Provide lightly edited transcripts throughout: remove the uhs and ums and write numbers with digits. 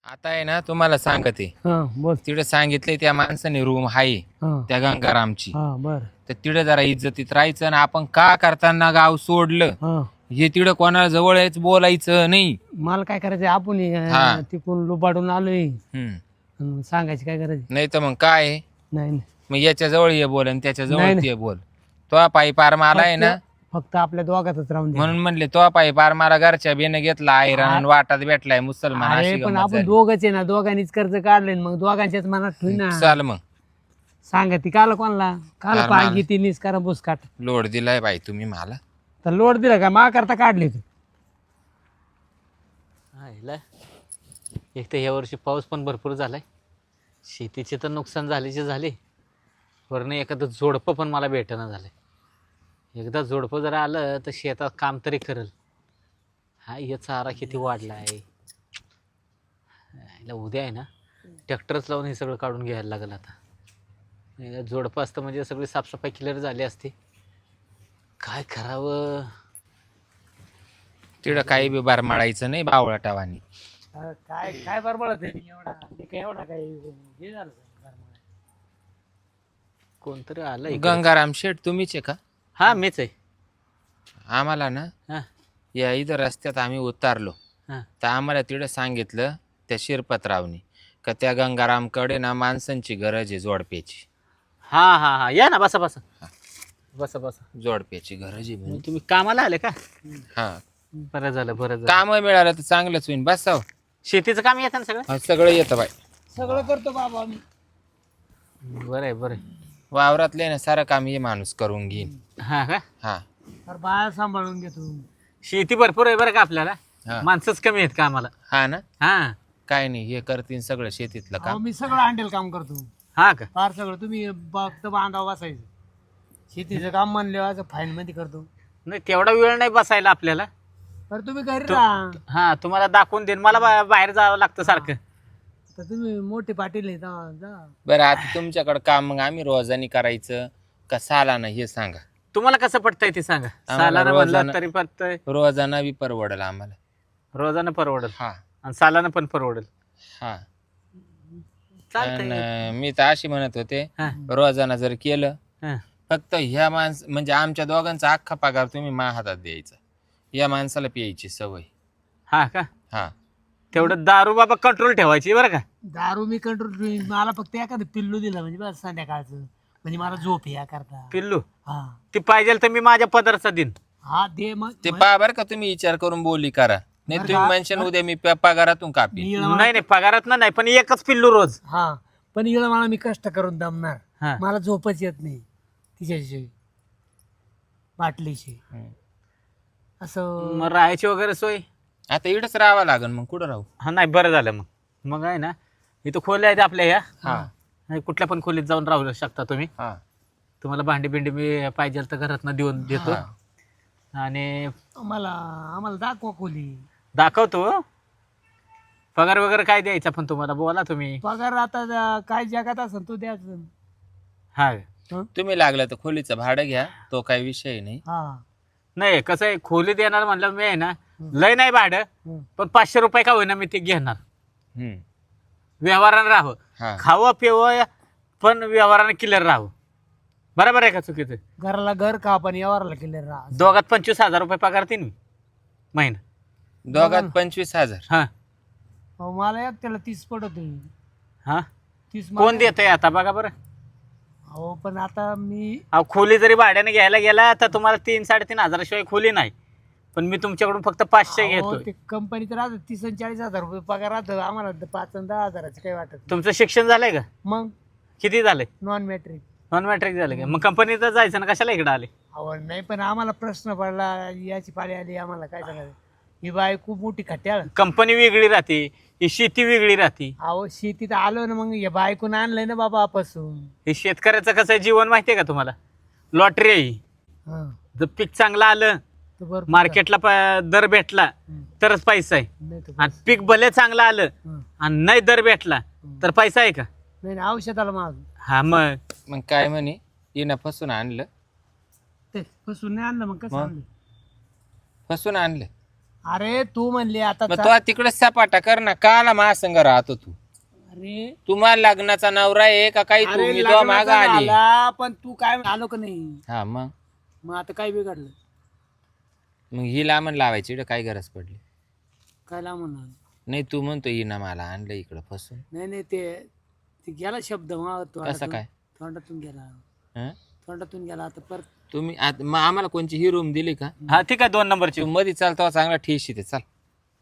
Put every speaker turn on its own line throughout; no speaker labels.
आता आहे ना तुम्हाला सांगते.
बोल.
तिकडे सांगितलंय त्या माणसाने रूम आहे त्या गंगारामची.
बर.
तर तिकडे जरा इज्जतीत राहायचं ना. आपण का करताना गाव सोडलं हे तिकडे कोणाला जवळ यायचं बोलायचं नाही.
मला काय करायचं आपण
हा.
तिकडून लुबाडून आलोय सांगायची काय करायची
नाही तर मग काय आहे?
नाही
मग याच्या जवळ ये बोल आणि त्याच्या
नाही,
जवळ
नाही.
ते बोल. तो पायी पार माला आहे ना
फक्त आपल्या दोघातच राहून दे.
म्हणून म्हणले तो पायी पार मारा घरच्या बेने घेतला आयरन वाटात भेटलाय मुसलमान
अरे
अशी
पण
गंमत
आपण
झाली.
दोघच आहे ना दोघांनीच कर्ज काढले मग दोघांच्याच मनात ठेवी ना
चाल मग
सांगा ती काल कोणाला काल
काल
पागी
मला.
ती निस्कारा बुसकाट
लोड दिलाय बाई तुम्ही मला.
तर लोड दिला का मा करता काढले तू
एक तर या वर्षी पाऊस पण भरपूर झालाय, शेतीचे तर नुकसान झाल्याचे झाले, वरनं एखादं जोडपं पण मला भेटणं झालंय. एकदा जोडपं जर आलं तर शेतात काम तरी करल. हा हे चारा किती वाढला आहे. याला उद्या आहे ना ट्रॅक्टरच लावून हे सगळं काढून घ्यायला लागेल. आता जोडपं असतं म्हणजे सगळी साफसफाई क्लिअर झाली असती. काय करावं
तिकडं काही बी बार मारायचं नाही बावळाटावानी.
काय काय बरोबर एवढा काय हे झालं
कोणतरी आलं इकडे.
गंगाराम शेठ तुम्हीच आहे का?
हा मीच आहे.
आम्हाला ना
हा
या इथं रस्त्यात आम्ही उतारलो
हा
तर आम्हाला तिकडे सांगितलं त्या शिरपतरावनी का त्या गंगारामकडे ना माणसांची गरज आहे जोडप्याची.
हा हा हा या ना बसा बसा बसा बसा.
जोडप्याची गरज आहे म्हणे.
मग तुम्ही कामाला आले का?
हा
बरं झालं बरं झालं.
काम मिळालं तर चांगलंच होईल. बसाव
शेतीचं काम येतं ना सगळं?
सगळं येतं बाई.
सगळं करतो बाबा मी
बरं आहे बरं आहे.
वावरातले ना सारं काम हे माणूस करून घेईन.
हा का?
हा
तर बाया सांभाळून घेतो
शेती भरपूर आहे बरं का आपल्याला,
हा.
माणसंच कमी आहेत कामाला.
हा ना
हा
काय नाही हे करतील सगळं शेतीतलं
अहो,
काम.
मी सगळं हँडल काम करतो
हा का?
फार सगळं तुम्ही फक्त बांधावं बसायचं शेतीचं काम म्हणलं फाईन मध्ये करतो
नाही तेवढा वेळ नाही बसायला आपल्याला.
तर तुम्ही घरी राहा
हा तुम्हाला दाखवून देईन. मला बाहेर जावं लागतं सारखं.
तर तुम्ही मोठे पाटील आहे जा
बरं आता तुमच्याकडे काम मग आम्ही रोजानी करायचं का सालाना हे सांगा.
तुम्हाला कसं पटतंय ते सांगा.
आम्हाला
सालानं म्हणलं
रोजानं-
तरी पटतंय,
रोजाना बी परवडेल आम्हाला.
रोजानं परवडेल
हा
आणि सालानं पण परवडेल.
हा
चालतंय.
आणि मी तर अशी म्हणत होते
हा
रोजाना जर केलं
हा
फक्त ह्या म्हणजे आमच्या दोघांचा अख्खा पगार तुम्ही माझ्या हातात द्यायचा. या माणसाला प्यायची सवय.
हा का?
हा
तेवढं दारू बाबा कंट्रोल ठेवायची बरं का.
दारू मी कंट्रोल मला फक्त एखादं पिल्लू दिलं म्हणजे बस संध्याकाळचं म्हणजे मला झोप या करता
पिल्लू
हा
ती पाहिजे तर मी माझ्या पदरचा दिन.
हा दे मग
ते पहा बरं का तुम्ही विचार करून बोली करा. नाही तुम्ही म्हणशान उद्या मी पगारातून कापी.
मी
नाही नाही पगारात नाही पण एकच पिल्लू रोज.
हा पण इकडं मला मी कष्ट करून दमणार
हा
मला झोपच येत नाही तिच्याशी बाटलीशी असं
मग राहायची वगैरे सोय?
आता इकडंच राहावं लागेल मग कुठं राहू.
हा नाही बरं झालं मग. मग आहे ना इथं खोल्या आहेत आपल्या ह्या.
हा
नाही, कुठल्या पण खोलीत जाऊन राहू शकता तुम्ही.
हा
तुम्हाला भांडी बिंडी मी पाहिजे तर घरातनं देऊन देतो.
हा.
आणि
आम्हाला दाखवा खोली
दाखवतो. पगार वगैरे काय द्यायचा पण तुम्हाला बोला तुम्ही.
पगार आता काय जगात असेल तो द्यायचं
हा
तुम्ही लागलं तर खोलीचं भाडं घ्या. तो काही विषय नाही.
हा
नाही कसं आहे खोली देणार म्हणलं मी आहे ना लय नाही भाडं
हं.
पण 500 रुपये का होईना मी ते घेणार.
हम्म.
व्यवहारानं राहावं,
हा
खावं पिवं पण व्यवहारानं क्लिअर राहावं. बरोबर आहे का चुकीचं?
घराला घर का पण यावरला केले राहा
दोघात 25,000 रुपये पगार देईन मी महिना.
दोघात 25,000.
हा
अहो, मला एक त्याला 30 पडत
हा
30
कोण देतंय आता बघा बरं.
हो पण आता मी
अहो खोली जरी भाड्याने घ्यायला गेला तर तुम्हाला 3-3.5 शिवाय खोली नाही. पण मी तुमच्याकडून फक्त 500
अहो,
घेतो.
ते कंपनीत राहत 30 आणि 40,000 रुपये पगार राहतं आम्हाला 5 आणि 10,000 काही वाटत नाही.
तुमचं शिक्षण झालंय का?
मग
किती झालंय?
नॉन मॅट्रिक
नॉन मॅट्रिक झालं का? मग कंपनीत जायचं ना कशाला इकडे आले?
आवड नाही पण आम्हाला प्रश्न पडला याची पाळी आली आम्हाला काय सांगायचं ही बाई खूप मोठी खट्याळ
कंपनी वेगळी राहते, ही शेती वेगळी राहते.
अहो शेतीत आलो ना मग या बायकून आणलंय ना बाबा पासून
हे शेतकऱ्याचं कसं आहे जीवन माहितीये का तुम्हाला? लॉटरी आहे ही. जर पीक चांगलं आलं मार्केटला दर भेटला तरच पैसा आहे. आणि पीक भले चांगलं आलं आणि नाही दर भेटला तर पैसा आहे का?
नाही औषधाला माग
हा
मग काय म्हणे येणं फसून आणलं.
ते पासून नाही आणलं मग कसं
मग?
आणलं
फसून आणलं.
अरे तू म्हणली आता
मग तो तिकडे सपाटा कर ना, काला महासंघ राहतो तू.
अरे
तुम्हाला लग्नाचा नवरा आहे का काही?
अरे
तुम्ही तो माग
लग्नाचा
आली.
झाला, पण तू काय आलो का नाही?
हा
मग आता काय बिघडलं?
मग ही लांबण लावायची इकडं काय गरज पडली?
काय म्हणणार?
नाही तू म्हणतो हिनं मला आणलं इकडं फसून.
नाही ते गेला शब्द
कसं काय?
तोंडातून गेला.
हं?
तोंडातून गेला आता परत.
तुम्ही मग आम्हाला कोणची ही रूम दिली का?
हा ठीक आहे 2 नंबरची.
तू मध्ये चालतो चांगला ठेशी ते. चल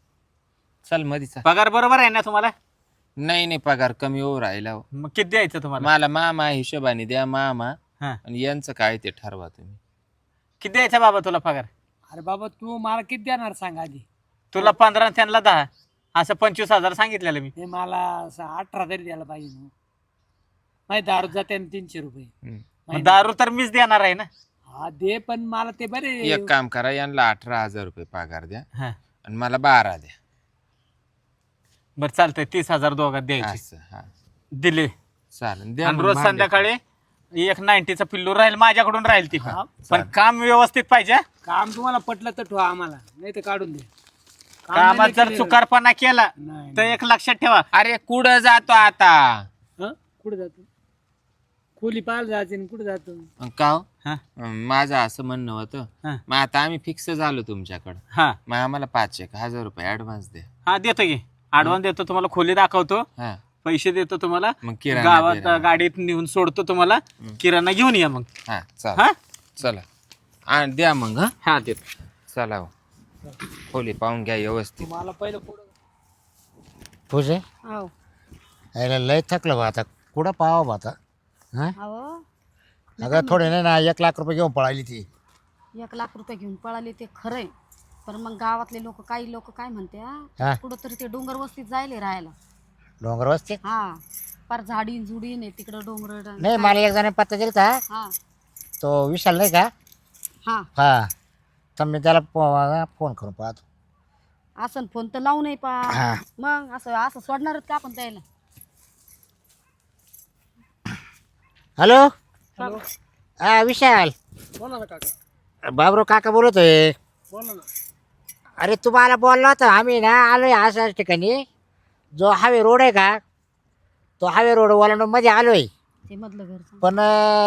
चल मध्ये चाल.
पगार बरोबर आहे ना तुम्हाला?
नाही पगार कमी होऊ राहिला हो.
मग किती द्यायचं तुम्हाला?
मला मामा हिशोबाने द्या मामा.
हा
आणि यांचं काय ते ठरवा तुम्ही.
किती द्यायचा बाबा तुला पगार?
अरे बाबा तू मला किती देणार सांग आधी.
तुला 15 त्यांना 10 असं 25,000 सांगितलेलं मी.
हे मला असं 18 तरी द्यायला पाहिजे ना. माहिती दारू जाते 300 रुपये.
मग दारू तर मीच देणार आहे ना.
हा दे, पण मला ते बरे.
एक काम करा, यांना 18,000 रुपये पगार द्या
हा
आणि मला 12 द्या.
बरं चालतंय 30,000 दोघात द्यायचे.
असं हा
दिले.
चालेल द्या.
आणि
मग
रोज
भांडे.
संध्याकाळी एक 90चा पिल्लू राहील माझ्याकडून राहील ती.
हा,
पण काम व्यवस्थित पाहिजे हा.
काम तुम्हाला पटलं तर ठेवा आम्हाला, नाही तर काढून दे. काम
कामात
नाही
जर
केलं-
चुकारपणा केला
नाही
तर एक लक्षात ठेवा.
अरे कुठं जातो आता?
हं? कुठे जातो? खोली पाहायला जायचे कुठे जातो?
मग का हो?
हा
माझं असं म्हणणं होतं,
हा
मग आता आम्ही फिक्स झालो तुमच्याकडं.
हा
मग आम्हाला 5,000 रुपये ऍडव्हान्स द्या.
हा देतो की ऍडव्हान्स देतो तुम्हाला. खोली दाखवतो,
हा
पैसे देतो तुम्हाला.
मग किराणा
गावात
बिराणा.
गाडीत नेऊन सोडतो तुम्हाला. किराणा घेऊन या मग.
हा चला
हा
चला आणि द्या मग. हा
हा देतो.
चला हो. खोली पाहून घ्या व्यवस्थित.
मला पहिलं पुढं.
पूजे
हो
यायला लय थकलं बा आता. कुठं पाहावं बा आता? हां
अहो
अगं थोडे नाही ना 1,00,000 रुपये घेऊन पळाली ती.
1,00,000 रुपये घेऊन पळाले ते खरंय, पण मग गावातले लोक, काही लोक काय म्हणते
हा
कुठं तरी ते डोंगर वस्तीत जायले राहायला.
डोंगर वस्ती.
हा फार झाडीन जुडीन आहे तिकडं डोंगर.
नाही मला एक जण पत्ता दिला होता.
हा
तो विशाल नाही का?
हा
हा तर मी त्याला फोन करून पाहतो.
असं फोन तर लावू नाही पा.
हा
मग असं असं सोडणारच का आपण त्याला?
हॅलो
हॅलो,
हा विशाल.
बोला ना काका.
बाबरो काका बोलतोय.
बोला ना.
अरे तुम्हाला बोललो होता आम्ही ना आलोय अशाच ठिकाणी. जो हायवे रोड आहे का, तो हायवे रोड मध्ये आलोय.
ते मधलं घर
पण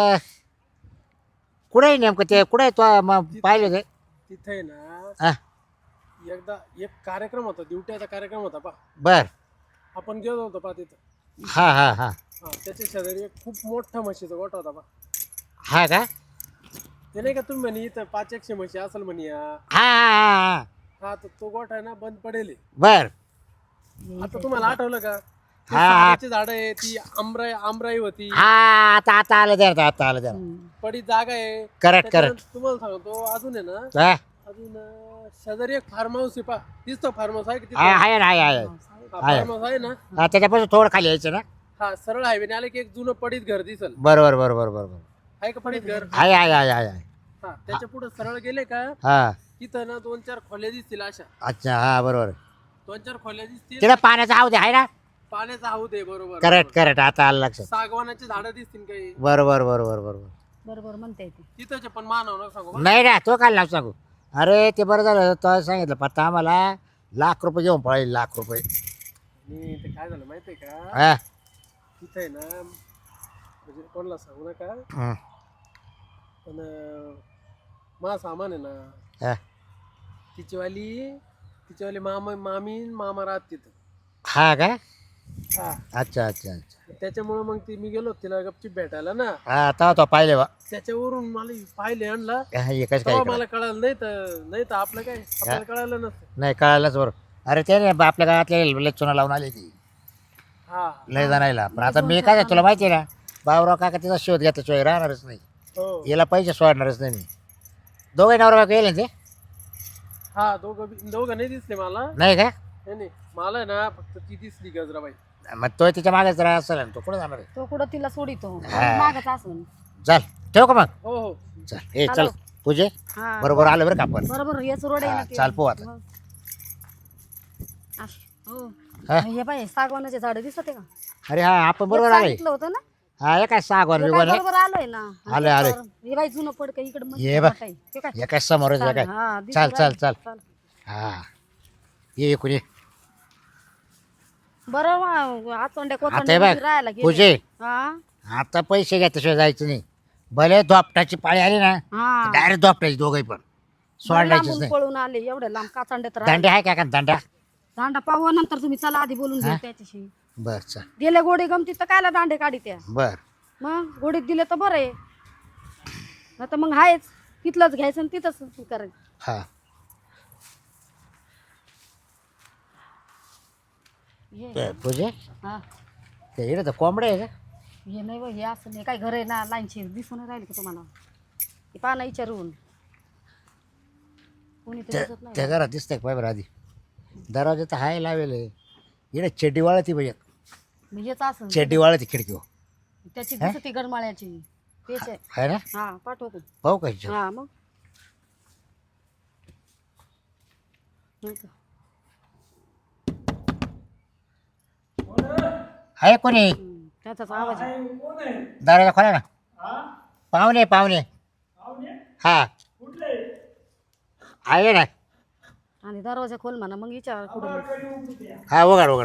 कुठे आहे नेमकं ते? कुठे आहे तो? मग पाहिलं ते.
तिथे आहे ना,
हा
एकदा एक कार्यक्रम होता, दिवट्याचा कार्यक्रम होता पा.
बर.
आपण गेलो होतो पा तिथं.
हा हा हा
हा, त्याच्या शेजारी एक खूप मोठा म्हशीचा गोठा होता पा.
हा का?
ते नाही का तुम्ही म्हणे इथं 500 म्हशी असेल म्हणे या.
हा हा हा
हा, तर तो गोठा आहे ना बंद पडेल.
बर.
आता तुम्हाला आठवलं का? ते
हा.
सागाची झाडं आहे, ती आमराई होती.
हा आता आलं द्या आता आलं द्या.
पडी जागा आहे.
करेक्ट
त्याच्यानंतर तुम्हाला सांगतो अजून आहे ना,
हा
अजून शेजारी एक फार्म हाऊस आहे पा. दिसतो फार्म हाऊस आहे की
हा, आहे ना आहे
फार्म हाऊस आहे ना.
हा त्याच्यापासून थोडं खाली यायचं ना.
हा, सरळ हायवेने आले की एक जुनं पडीत घर दिसल.
बरोबर बरोबर बरोबर.
आहे का पडीत घर?
आहे आहे आहे आहे आहे.
हा, त्याच्या पुढे सरळ गेले का
हा
तिथं ना 2-4 खोल्या दिसतील अशा.
अच्छा हा बरोबर.
2-4 खोल्या दिसतील.
तिला पाण्याचा हाव दे आहे ना.
पाण्याचा हौद आहे. बरोबर.
करेक्ट करेक्ट आता आलं लक्षात.
सागवानाची झाडं दिसतील काही.
बरोबर बरोबर बरोबर.
बरोबर म्हणते ते.
तिथंचे पण मानव सांगू बा.
नाही ना तो काय नाव सांगू. अरे ते बरं झालं तो सांगितलं पत्ता आम्हाला. 1,00,000 रुपये घेऊन पळाली. 1,00,000 रुपये.
आणि ते काय झालं माहितीये का?
हा
तिथं आहे ना, म्हणजे कोणाला सांगू नका,
हं.
पण मा सामान आहे ना,
हा.
तिच्यावाली मामी न मामा राहत तिथं.
हा का?
हा,
अच्छा अच्छा अच्छा.
त्याच्यामुळे मग मी गेलो तिला गपचीप भेटायला ना.
हा आता तो पाहिले बा.
त्याच्यावरून मला पाहिले आणला.
हा, एकच
तेव्हा
काय
मला कळालं. नाही तर आपलं काय, आपल्याला कळालं नसतं.
नाही कळालंच बरोबर. अरे ते नाही आपल्या गावातल्या लय चुना लावून आली ती
हा,
लय जाणायला. पण आता मी काय तुला माहिती आहे ना, बाबराव काका तिचा शोध घेतल्याशिवाय राहणारच नाही.
हो.
याला पैसे सोडणारच नाही मी. दोघे नवरा बायको येईल ना ते?
हा, दोघं नाही दिसले मला.
नाही का?
नाही मला ना फक्त ती दिसली गजराबाई.
मग तो तिच्या मागेच राहा असेल ना. तो कुठे जाणार आहे?
तो कुठं तिला सोडितो
हा.
मागच असून.
चल ठेव का मग?
हो हो.
चल ए चल
हॅलो.
पूजे
हा
बरोबर आलं बरं का आपण.
बरोबर हेच रोड आहे
हा,
ना ते.
चाल पोहू आता.
हो. हो
हा?
हे पाहिजे सागवानाचे झाड दिसत आहे का?
अरे हा आपण बरोबर
एक
आलोय.
सांगितलं होतं ना.
हा हे काय सागवान
हे काय
बिगवान आहे.
बरोबर आलोय ना.
आलोय, आलोय.
हे बाई जुनं पडकं इकडे
ये बा.
हे काय?
हे काय समोरच हे काय.
हा, दिसू
चाल चाल
राहिलं.
चाल.
चाल.
हा ये कुणी
बरं आचोंड्या
आता हे
कोचोंड्या
बघ
राहायला गेले.
पूजे
हा
आता पैसे घेतल्याशिवाय जायचं नाही. भले दोपटाची पाळी आली ना
हा
डायरेक्ट दोपटाची दोघही पण सोडायचीच
लांबून
नाही.
पळून आले एवढे लांब काचांड्यात
दांडे आहे का दांड्या?
दांडा पाहू नंतर तुम्ही चला आधी बोलून घेऊ त्याच्याशी.
बर चल
दिले गोडे गमती तर कायला दांडे काढी त्या
बर
मग गोडीत दिले तर बरं आहे. आता मग आहेच तिथलंच घ्यायचं आणि तिथंच करायचं.
हा
हे
पूजे
हा
ते इकडे तर कोंबडे आहे का?
हे नाही हे असं नाही काय घर आहे ना लाईनची दिसून राहील का तुम्हाला ते पाना विचारून कोणी ते दिसत नाही.
त्या घरात दिसतंय का पाय आधी दरवाजा तर हाय लावेल इकडे चेड्डी वाळती पाहिजे.
मग हेच असं
चेड्डी वाळती खिडकीवर
त्याची दिसती गडमाळ्याची तेच आहे.
आहे ना?
हा पाठवतो.
पाहू का हिच्यात?
हा मग हो का?
आहे कोणी?
त्याचाच आवाज आहे.
दरवाजा खोला ना. पाहुणे पाहुणे हा आहे ना.
आणि दरवाजा खोल म्हणा मग विचार कुठे
हा उघड उघड.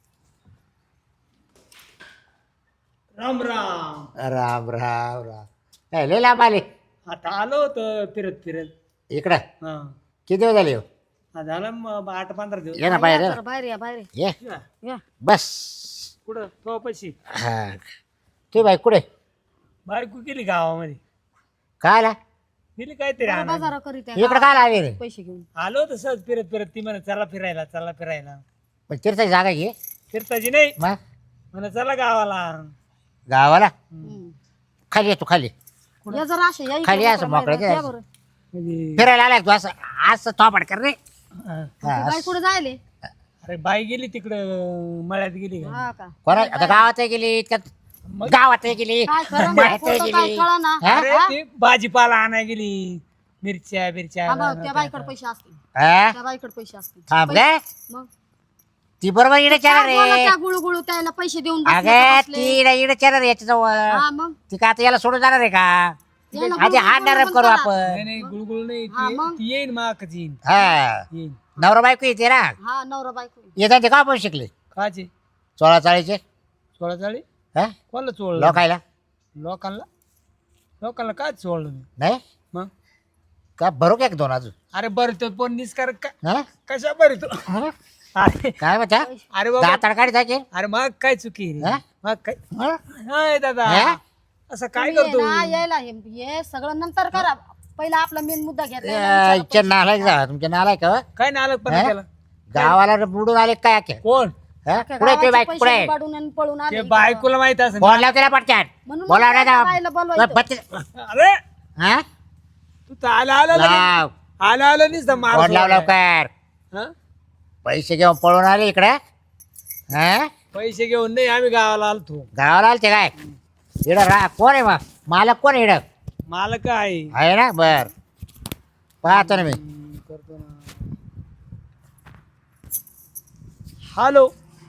राम राम.
राम राम राम. काय लय लांब आले
आता आलो होतं फिरत फिरत.
इकडं.
हा
किती दिवस झाले हो?
झालं मग 8-15 दिवस.
ये ना बाहेर ये ना.
बाहेर या बाहेर
ये
या
बस.
कुठं तो पैसे
हा तू बाई कुठे
बायको गेली गावामध्ये.
काय आला
गेली काहीतरी आणायला.
बाजार करीत आहे.
इकडं काय आले रे?
पैसे घेऊन
आलो होतं सहज फिरत फिरत. ती म्हणा चला फिरायला चला फिरायला.
पण तीर्थाची जागा घे
फिरताची नाही
मग
म्हणा चला गावाला.
गावाला
हम्म.
खाली ये तू खाली
या जरा असे या इकडे
खाली असं
मोकळं
मोकळं
बाहेर.
ते.
या बरं.
म्हणजे
फिरायला आलाय तू असं असं थोपाड कर रे.
हा.
ते बाई कुठे जायले
अरे बाई गेली तिकडं मळ्यात गेली का.
हा का
कोणा आता गावात गेली इतक्यात गावात गेली
काय खरं
माहित
खोटं काय
गेली
कळा ना
हा?
अरे ती भाजीपाला आणाय गेली. मिरच्या बिरच्या
त्या बाईकडे पैसे असतील
हा?
त्या बाईकडे पैसे असतील
थांब रे
मग
ती बरोबर इकडे चालर
काय बोला
रे.
त्या गुळू त्याला पैसे देऊन बसले
अगे
का
ती
बसले?
इकडे चालर याच्या जवळ.
हा मग
ती का आता याला सोडून जाणार आहे का?
याला
आधी
गुळगुळ
हात डायरेक्ट
पण
करू
करा.
आपण.
नाही नाही गुळगुळ नाही.
हा, मग?
ती येईन माकच येईन
हा
येईन.
नवरा बायको येते ना.
हा नवरा बायको
येतात ते का पण शिकले
काचे
16
सोळा चाळी
हा
कोणाला चोळलं.
लोकायला
लोकांना लोकांना काय चोळलं मी.
नाही
मग
का भरू का एक दोन अजून
अरे बरं तो पण निस्कार
हा?
कशा बरं तो. अरे
काय म्हणता
अरे बाबा
दाताड काढी जायचे
अरे मग काय चुकी रे.
हा?
मग काय
हा?
हाय दादा
हा?
असं काय
तुम्ही
करतो.
आहे ना, यायला हे सगळं नंतर करा पहिला आपला मेन मुद्दा
इच्छा
घेतला
नालायक जा तुमच्या नालायक का?
काय नालक पण
हा?
केला.
गावाला बुडून आले काय अख्खे?
कोण
हा? कुठे ते बाईक कुठे
पळून आले
ते बायकोला माहित असं.
फोन लाव त्याला पटक्यात
म्हणून
बोला
मग
नाही
त्या बाईला बोलवायचं.
अरे
हा
तू तर आला आला लगेच.
लाव
आला आला नुसतं मार
फोन लाव
सोडलाय.
लवकर.
हा?
पैसे घेऊन पळून आले इकडे. हा
पैसे घेऊन नाही आम्ही गावाला आलतो.
गावाला आलते काय इड रा कोण आहे मग मालक कोण आहे इड
मला काय
आहे ना बर पाहतो ना मी.
करतो ना. हॅलो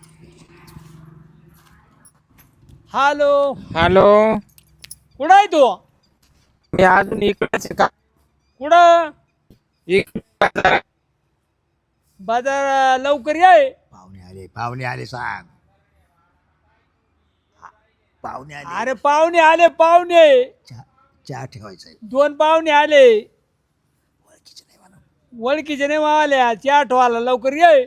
हॅलो
हॅलो
कुठं आहे तू.
मी अजून इकडच का
कुठं
इकडं
बाजार लवकर ये.
पाहुणे आले सांग. पाहुणे आले
अरे पाहुणे आले पाहुणे.
चहा ठेवायचा
2 पाहुणे आले. ओळखीचे नाही आल्या. चहा ठेवायला लवकर ये.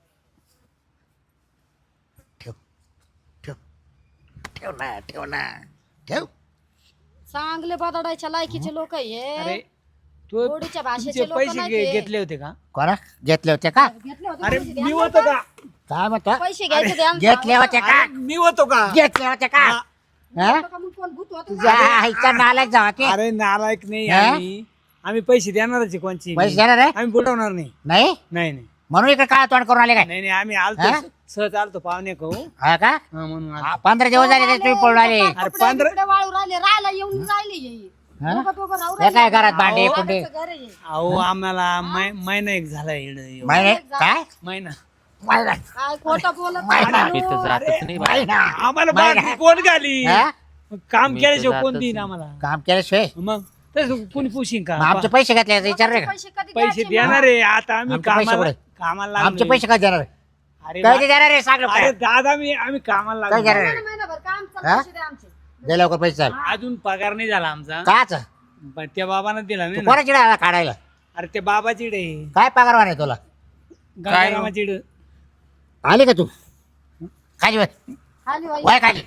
ठेव ठेव ठेव ना ठेव ना ठेव.
चांगले बदडायच्या लायकीचे लोक
अरे
हे
तू
गोडीच्या भाषेचे
तुमचे
लोक
पैसे
नाही ते.
घेतले होते का.
कोणा घेतले होते का?
घेतले होते
अरे
पैसे
मी
द्या.
होतो का.
काय म्हणतो
पैसे घ्यायचे ते आमचं.
घेतले होते का?
अरे, मी होतो का.
घेतले होते का? हा?
होतं का मग कोण भूत होतं का?
जा, इथं नालायक जावा की
अरे नालायक नाही
हा?
आम्ही पैसे देणारच आहे कोणची
पैसे देणार आहे
आम्ही बुडवणार नाही.
नाही
नाही नाही
म्हणून इकडे काय तोंड करून आले काय?
नाही नाही आम्ही
हा?
आलतो सहज आलतो पाहुणे कहू
हा का?
म्हणून आलतो.
15 दिवस झाले ते तुम्ही पळून आले.
अरे
कपडे
15
बिपडे वाळू राहिले राहायला येऊन राहिले हे.
हा?
दोघं राहू
हे काय
राहिले.
घरात भांडे
अहो,
कुंडे
आमचं घर आहे हे.
अहो आम्हाला महिना एक झाला इकडं.
महिने काय
महिना
महिना
काय खोटं बोलत
महिना.
नाही.
इथं जातच नाही बा.
महिना
आम्हाला
महिना.
बाकी कोण घाली.
हा?
मग काम
मी
केल्याशिवाय
तर
कोण
जातच
देईन
नाही.
आम्हाला.
काम केल्याशिवाय
मग तसं कोणी पुशिंग का.
मग आमचे पैसे घेतले विचार रे का?
पैसे कधी
पैसे
द्यायचे
देणार आहे आता आम्ही
आमचे पैसे
कामाला
कुठे?
कामाला
आमचे
लागलोय.
पैसे काय देणार
अरे
काय देणार रे सांग
अरे दादा आम्ही कामाला
काय
लागलो.
देणार रे?
महिनाभर काम
हा?
पैसे द्या आमचे.
दे लवकर पैसे चाल
अजून पगार नाही झाला आमचा
काच
पण त्या बाबानं दिला नाही ना.
कोणाची डाळ काढायला
अरे ते बाबाची डे
काय पगार वाढ तुला
गंगारामाची डे.
आली का तू खाली बस
खाली वाई.
वय खाली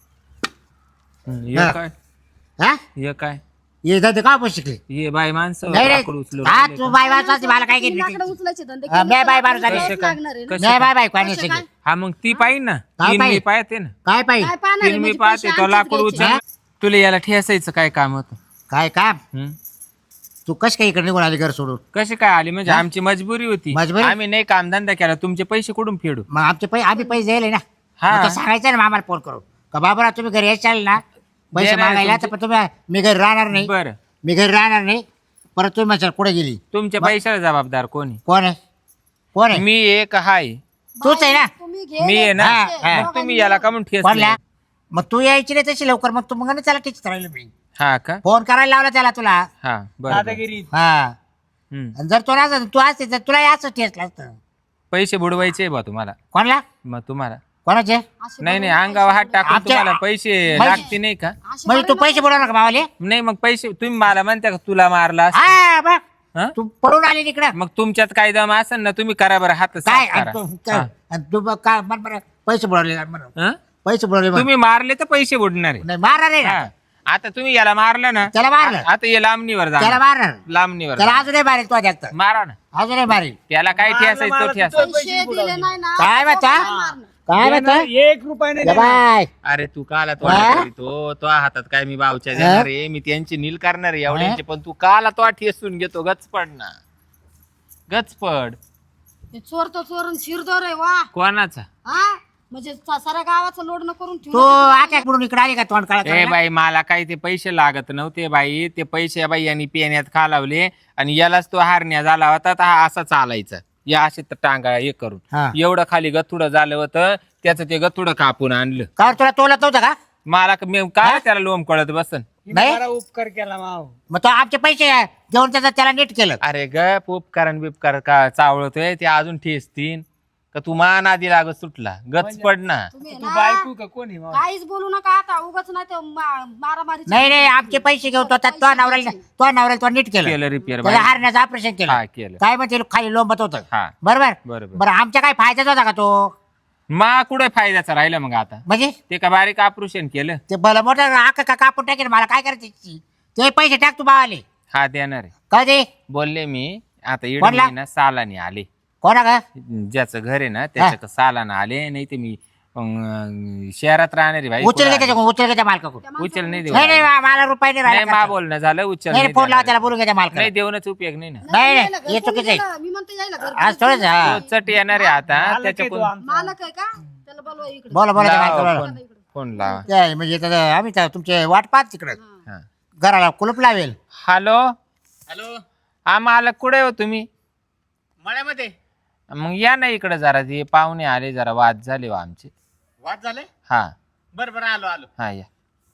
हे
हा.
काय
हा
हे काय
ये जाते का पण शिकले
हे बाय माणसं
नाही रे
लाकूड उचलून
हा
राहिले
तू
का?
बाय वाचवायची मला काय
तुम्ही
केली
लाकडं उचलायचे धंदे
हा,
केले
मी
तर
बाय बार
तुम्हाला
झाली.
करावंच लागणार आहे ना.
कसं
नाही बाय बाय कोणी
कसं
शिकले
काय?
हा मग ती पाहिजे ना
काय
तीन मी
पाहिजे?
पाहते ना
काय पाहिजे
काय पाहणार आहे?
तीन मी
म्हणजे
पाहते
पैसे
तो
आमचेच
लाकूड
घ्यायचे.
उचल तुला याला ठेसायचं काय काम होतं
काय काम
हं?
तू कश काय इकडे निघून आली घर सोडून
कशी काय आली म्हणजे आमची मजबुरी होती
मजबुरी?
आम्ही नाही कामधंदा केला तुमचे पैसे कुठून फेडू
मग आमचे पैसे आम्ही पैसे द्यायले ना
हा.
मग तो सांगायचं ना आम्हाला फोन करून का बाबा तुम्ही घरी यायचं ना पैसे
देणार
मागायला
तुमचे-
तर पण तुम्ही मी घरी राहणार नाही
बरं
मी घरी राहणार नाही परत तुम्ही माझ्या कुठे गेली
तुमच्या पैशाला जबाबदार कोणी
कोण आहे कोण आहे
मी एक हाय
तूच आहे ना
तुम्ही
मी आहे ना
हा, हा.
मग तुम्ही याला का म्हणून ठेस
कोणला मग तू यायची नाही तशी लवकर मग तू मग नाही त्याला टीच राहिलं मी
हा का
फोन करायला लावला त्याला तुला
हा बरं, बरं
दादागिरी
हा
हं.
आणि जर तो नसता तू असते तर तुला याच टेस्ट असतं
पैसे बुडवायचे बा तुम्हाला
कोणला
मग तुम्हाला
कोणाचे
नाही नाही अंगावर हात टाकून
आमच्या-
तुम्हाला पैसे
पैसे-
लागते नाही का
म्हणजे तू पैसे बुडवणार का मावाले
नाही मग पैसे तुम्ही मला म्हणता का तुला मारला असं?
हा बघ
हं?
तू पळून आली तिकडं
मग तुमच्यात काय दम असेल ना तुम्ही करा बरं हात
काय
साफ
आणि
करा.
तू
हा.
आणि तू बघ काय म्हण बरं पैसे बुडवले म्हणून
हं?
पैसे बुडवले म्हण.
तुम्ही मारले तर पैसे बुडणार आहे
नाही मारणार आहे ना
हा. आता तुम्ही याला मारलं ना
त्याला मारलं
आता हे लांबणीवर
त्याला
जा
मारणार
लांबणीवर
त्याला
जा.
अजूनही मारेल तो जास्त
मारा ना
अजूनही मारेल
त्याला काय ठेसायचं तो ठेस
पैसे दिले नाही ना
काय म्हणता काय म्हणता
1 रुपया नाही
या
देणार.
बाय
अरे तू काला तो
हा?
तो हातात काय मी बावच्या देणार आहे मी त्यांची नील करणार आहे एवढ्यांचे पण तू काला तो ठेसून घेतो गचपड ना गचपड
हे चोर तो चोर आणि शिरदोर आहे वा
कोणाचा
हा म्हणजे साऱ्या गावाचं लोडणं करून
तू
ठेवलं
आट्या बुडून इकडे आली का तोंड
ए
काळा
बाई मला काही ते पैसे लागत नव्हते बाई ते पैसे बाई यांनी पेण्यात खालावले आणि यालाच तो हारण्या झाला होता तर हा असा चालायचा या असे तर टांगा हे करून
हा.
एवढं खाली गथुडं झालं होतं त्याचं ते गथुडं कापून आणलं
का तुला तोलत नव्हतं का
मला मी काय त्याला लोम कळत बसन
हिने
नाही?
बरा उपकार केला माव.
मग तो आमचे पैसे देऊन त्याला नीट केलं
अरे ग उपकारण बिपकार का चावळतोय ते अजून ठेसतीन का तू मान आधी लागत सुटला गचपड ना
तुम्ही
तू
ना
बायको का कोणी माव?
काहीच बोलू नका आता उगाच नाही ते मारामारी
नाही नाही आमचे पैसे घेऊन तो नवऱ्याला तो नीट केलं
केलं रिपेअर
त्याला हारण्याचं ऑपरेशन
हा
केलं
केलं
काय म्हणते खाली लोंबत होतं
हा
बरोबर
बरोबर
बरं आमच्या काय फायद्याचा होता का तो
मा कुठे फायद्याचा राहिला मग आता
म्हणजे
ते का बारीक ऑपरेशन केलं
ते भलं मोठं आका का कापून टाकेल मला काय करायचं त्याची? ते पैसे टाक तू बावाले
हा देणार आहे
कधी
बोलले मी आता
कोणला?
इडली ना सालाने आले
कोणा का
ज्याचं घर आहे ना त्याच्या सालाने आले नाही ते मी शहरात राहणारी भाई
उचल घे उचल घे त्या मालकाकडून
उचल नाही देऊ
नाही नाही मला रुपये नाही
नाही
राहिला
मा
खर्च.
बोलणं झालं उचल
नाही
नाही
फोन लावा
देणार.
त्याला बोलून घ्या त्या मालकाला
नाही देऊनच उपयोग नाही ना
नाही
यायला
नाही
घर
हे
कोणी
चुकीचं आहे
गेलं? मी म्हणते यायला घर
आज थोडंच हा
तो चट येणार आहे आता
मालक आहे तो
त्याच्याकडून
आमचा.
मालक आहे का त्याला बोलवा इकडे
बोला बोला त्या
लावा
मालकाला
फोन. फोन लावा
काय म्हणजे आता आम्ही तर तुमचे वाट पाहत तिकडे
हा.
घराला कुलूप लावेल
हॅलो
हॅलो
हा मालक कुठे हो तुम्ही
मळ्यामध्ये
मग या ना इकडे जरा ते पाहुणे आले जरा वाद झाले हो आमचे
वाद झाले
हा
बरं बरं आलो आलो
हा या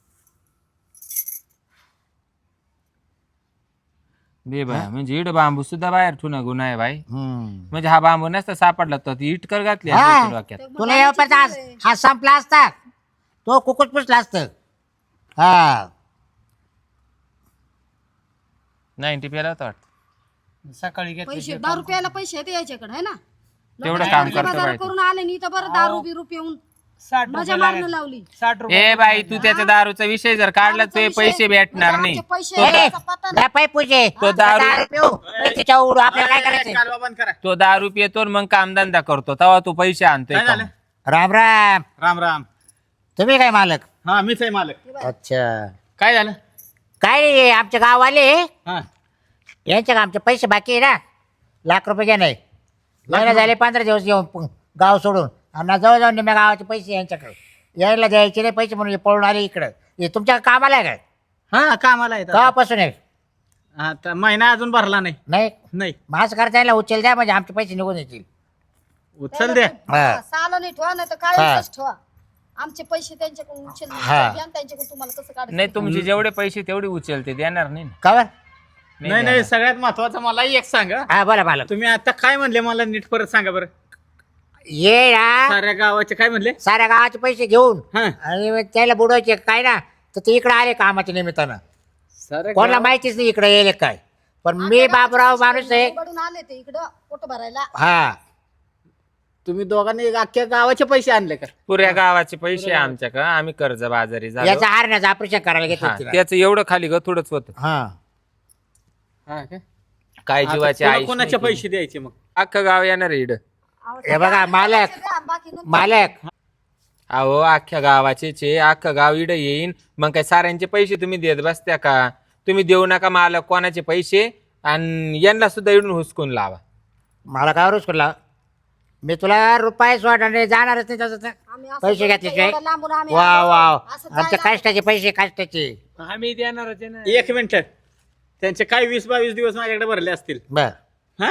दे बाय म्हणजे इड बांबू सुद्धा बाहेर ठुना गुन्हा आहे बाई म्हणजे हा बांबू नसता सापडला तर ती इटकर घातली
हा.
असती डोक्यात
तुला येऊपर्यंत आज हा संपला असता तो कुकुट पुसला असत हा
90 पेला होता वाटतं
सकाळी घेतले
पैसे 10 रुपयाला पैसे येते याच्याकडे आहे ना
तेवढं काम करतो
बाजार
बाई
करून आले नी तर बरं दारू बिरू पिऊन
60
मजा
रुपये
मारणं
लागायचे.
लावली
60 रुपये
ए बाई तू त्याच्या दारूचा विषय जर काढला ते पैसे भेटणार नाही
आमचे पैसे यायचा पत्ता नाही.
पाय पूजे
तो दारू
पिऊ त्याच्या उडू आपल्याला काय करायचं
कालवा बंद करा
तो दारू पितो आणि मग कामधंदा करतो तेव्हा तू पैसे आणतोय
काय
का?
झालं?
राम राम
राम राम
तुम्ही काय मालक
हा मीच आहे मालक
अच्छा
काय झालं
काय नाही आमच्या गाववाले
हा
यांच्या आमचे पैसे बाकी आहे ना ₹1,00,000 घ्या नाही महिना झाले 15 दिवस येऊन गाव सोडून आणि जवळजवळ निम्या गावाचे पैसे यांच्याकडे यायला द्यायचे नाही पैसे म्हणून हे पळून आले इकडं हे तुमच्या कामाला आहे काय
हा कामाला येतात
गावापासून आहे
आता महिना अजून भरला नाही
नाही
नाही
मास करता यायला उचल द्या म्हणजे आमचे पैसे निघून येतील
उचल द्या
हा.
साला नाही ठेवा नाही तर
हा.
काय ठेवा आमचे पैसे त्यांच्याकडून उचल
हा.
घ्या आणि त्यांच्याकडून तुम्हाला कसं काढायचं
नाही तुमचे जेवढे पैसे तेवढे उचलते देणार नाही ना.
का बरं
नाही नाही, सगळ्यात महत्वाचं मला एक सांगा,
हा बोला मला
तुम्ही आता काय म्हणले मला नीट परत सांगा बरं.
ये ना
साऱ्या गावाचे काय म्हणले?
साऱ्या गावाचे पैसे घेऊन
हा.
आणि मग त्याला बुडवायचे काय ना, तर ते इकडे आले कामाच्या निमित्तानं.
साऱ्या
कोणाला
गाव-
माहितीच नाही इकडे येईल काय, पण मी बाबूराव माणूस आहे.
उघडून आले ते इकडं पोट भरायला.
हा
तुम्ही दोघांनी अख्ख्या गावाचे पैसे आणले का?
पुऱ्या गावाचे पैसे आमच्याकडे, आम्ही कर्ज बाजारी झालो.
याचा हारण्याचं ऑपरेशन करायला
हा,
घेतलं तिला.
त्याचं एवढं खाली थोडंच होतं.
हा
हा का?
काय
आता
जीवाचे
कोणा-
आयुष्य
कोणाचे
नाही
पैसे द्यायचे मग?
अख्खं गाव येणार आहे इकडं.
हे बघा मालक
बाकी नंतर
मालक
अहो अख्ख्या गावाचे अख्खं गाव इडं येईन, मग काय साऱ्यांचे पैसे तुम्ही देत बसत्या का? तुम्ही देऊ नका मला कोणाचे पैसे, आणि यांना सुद्धा इडून हुसकून लावा.
मला काय रुस करला, मी तुला रुपये सोडणार जाणारच नाही तसं तर.
आम्ही असं
पैसे
करतो,
घेतल्याशिवाय
एवढं लांबून आम्ही
वा
आलो.
वा
असं
आमच्या
जायला-
कष्टाचे पैसे कष्टाचे.
आम्ही देणारच आहे ना.
एक मिनिट, त्यांचे काय 20-22 दिवस माझ्याकडे भरले असतील.
बर
हा,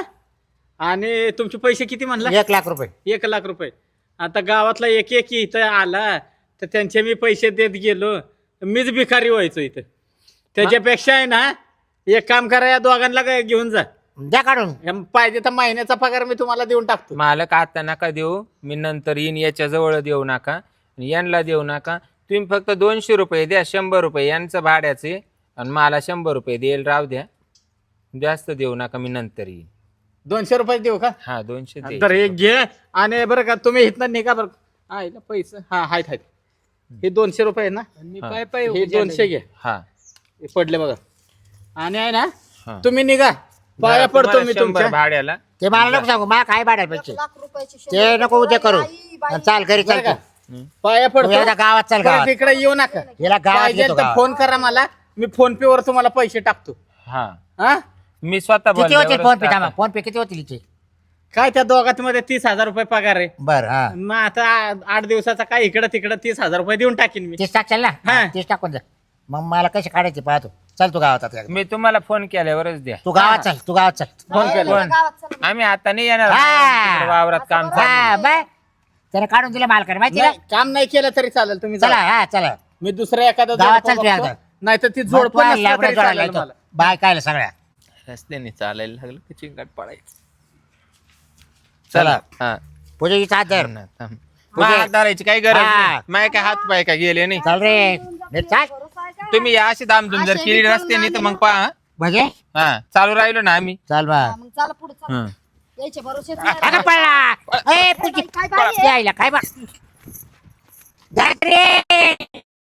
आणि तुमचे पैसे किती म्हणला?
1,00,000 रुपये.
1,00,000 रुपये. आता गावातला एक इथं आला तर त्यांचे मी पैसे देत गेलो, मीच भिकारी व्हायचो इथं. त्याच्यापेक्षा आहे ना, एक काम करा, या दोघांना घेऊन जा.
द्या काढून.
पाहिजे तर महिन्याचा पगार मी तुम्हाला देऊन टाकतो.
मालक आता नका देऊ, मी नंतर येईन. याच्या जवळ देऊ नका, यांना देऊ नका. तुम्ही फक्त 200 रुपये द्या, 100 रुपये यांचं भाड्याचे, आणि मला 100 रुपये देईल, राव द्या. जास्त देऊ नका, मी नंतर येईन.
200 रुपये देऊ का?
हा 200 दे.
तर एक घे, आणि बरं का तुम्ही इथनं निघा बरं. आहे ना पैसे? हा आहेत आहेत. हे 200 रुपये आहे ना, हे 200 घे.
हा
हे पडले बघा. आणि आहे ना,
हा.
तुम्ही निघा, पाया पडतो
तुम्हाला
मी
100
तुमच्या.
भाड्याला.
ते मला नको सांगू, मला काय भाड्याला पैसे
1,00,000 रुपयाची
ते
शंभर
नको उद्या करू.
आई, बाई.
चाल घरी चाल
बरं का?
तू.
पाया
तू एकदा
पडतो.
गावात चाल
परत
गावात.
इकडे येऊ नका.
याला गावात
पाहिजे
घेतो
तर
गावात.
फोन करा मला, मी फोन पे वर तुम्हाला पैसे टाकतो.
हा
हा,
मी स्वतः
किती होतील
बोलल्यावरच
फोन पे?
टाका.
थांबा, फोन पे किती होतील हिचे?
काय त्या दोघात मध्ये 30,000 रुपये पगार आहे.
बर हा
मग आता 8 दिवसाचा काय इकडं तिकडं 30,000 रुपये देऊन टाकीन मी.
30 टाकशाल ना?
हा.
30 टाकून जा. मग मला कसे काढायचे पाहतो. चल तू गावात आता.
मी तुम्हाला फोन केल्यावरच द्या.
तू गावात चल, तू गावात चल.
फोन केला.
फोन.
गावात चला.
आम्ही आता नाही येणार,
हा.
तिकडे वावरात काम चालू.
हा बाय, त्याने काढून दिलं मालकाने माहिती
नाही,
ना.
काम नाही केलं तरी चालेल, तुम्ही
चला
चला.
हा चला.
मी दुसऱ्या एखादा
गावात चल तू एकदा.
नाही तर ती
मग
जोड
तू
पण
आहे,
नसलं
लाकडं
तरी
जोडायला
चालेल
येतो.
मला.
बाय कायला सगळ्या.
रस्त्याने चालायला लागलं की चिंगाट पडायचं.
चला.
हा
पूजा हिचा हात धर.
थांब. मग हात धरायची काही गरज
हा.
नाही. माय काय हात पाय काय गेले नाही.
चल रे नीट चाल.
भरोसा आहे का?
तुम्ही या अशी दामधूम जर केली रस्त्याने तर मग पहा.
म्हणजे
हा चालू राहिलो ना आम्ही.
चल बा.
हा, मग चला पुढे चला.
हं.
यायचे भरोसे
अगं पळा. ए पूजी
काय बाई आहे?
यायला काय बा. धर रे.